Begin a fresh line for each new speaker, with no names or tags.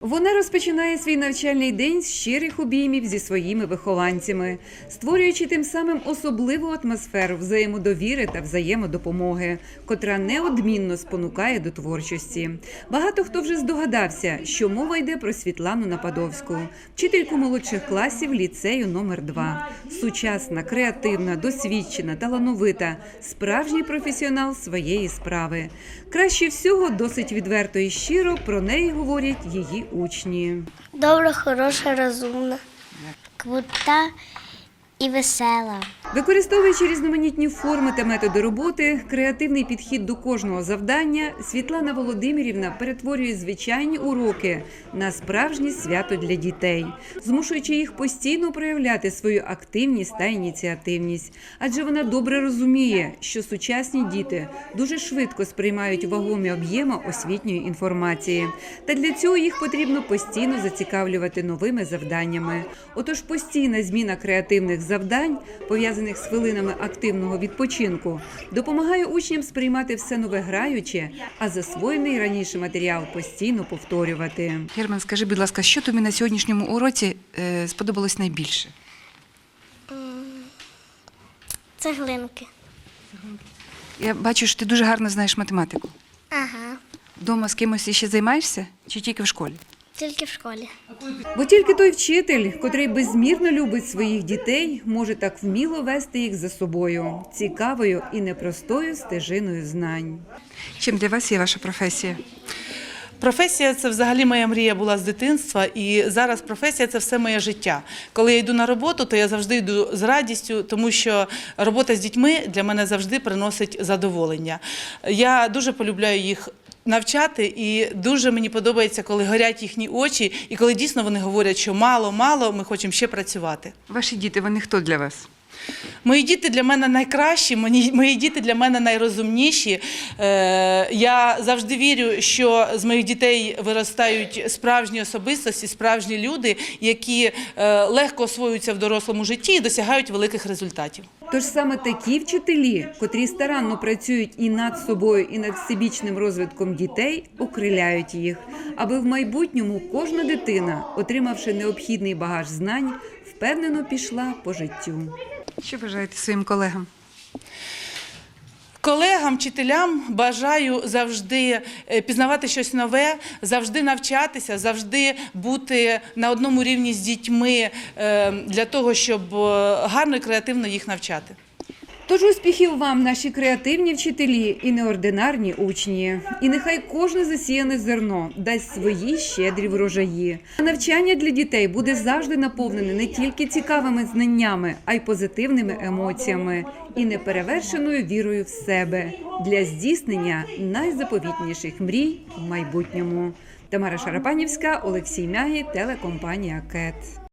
Вона розпочинає свій навчальний день з щирих обіймів зі своїми вихованцями, створюючи тим самим особливу атмосферу взаємодовіри та взаємодопомоги, котра неодмінно спонукає до творчості. Багато хто вже здогадався, що мова йде про Світлану Нападовську, вчительку молодших класів ліцею номер 2. Сучасна, креативна, досвідчена, талановита, справжній професіонал своєї справи. Краще всього, досить відверто і щиро про неї говорять її учні.
Добра, хороша, розумна, крута і весела.
Використовуючи різноманітні форми та методи роботи, креативний підхід до кожного завдання, Світлана Володимирівна перетворює звичайні уроки на справжнє свято для дітей, змушуючи їх постійно проявляти свою активність та ініціативність. Адже вона добре розуміє, що сучасні діти дуже швидко сприймають вагомі об'єми освітньої інформації. Та для цього їх потрібно постійно зацікавлювати новими завданнями. Отож, постійна зміна креативних завдань, пов'язаних з хвилинами активного відпочинку, допомагає учням сприймати все нове граюче, а засвоєний раніше матеріал постійно повторювати.
Герман, скажи, будь ласка, що тобі на сьогоднішньому уроці сподобалось найбільше?
Цеглинки.
Я бачу, що ти дуже гарно знаєш математику.
Ага,
Дома з кимось ще займаєшся чи тільки в школі?
тільки в школі.
Бо тільки той вчитель, котрий безмірно любить своїх дітей, може так вміло вести їх за собою, цікавою і непростою стежиною знань.
Чим для вас є ваша професія?
Професія – це взагалі моя мрія була з дитинства, і зараз професія – це все моє життя. Коли я йду на роботу, то я завжди йду з радістю, тому що робота з дітьми для мене завжди приносить задоволення. Я дуже полюбляю їх навчати, і дуже мені подобається, коли горять їхні очі, і коли дійсно вони говорять, що мало, ми хочемо ще працювати.
Ваші діти, вони хто для вас?
Мої діти для мене найкращі, мої діти для мене найрозумніші. Я завжди вірю, що з моїх дітей виростають справжні особистості, справжні люди, які легко освоюються в дорослому житті і досягають великих результатів.
Тож саме такі вчителі, котрі старанно працюють і над собою, і над всебічним розвитком дітей, окриляють їх, аби в майбутньому кожна дитина, отримавши необхідний багаж знань, впевнено пішла по життю.
Що бажаєте своїм колегам?
Колегам, вчителям бажаю завжди пізнавати щось нове, завжди навчатися, завжди бути на одному рівні з дітьми для того, щоб гарно і креативно їх навчати.
Тож успіхів вам, наші креативні вчителі і неординарні учні. І нехай кожне засіяне зерно дасть свої щедрі врожаї. Навчання для дітей буде завжди наповнене не тільки цікавими знаннями, а й позитивними емоціями і неперевершеною вірою в себе для здійснення найзаповітніших мрій в майбутньому. Тамара Шарапанівська, Олексій Мягі, телекомпанія КЕТ.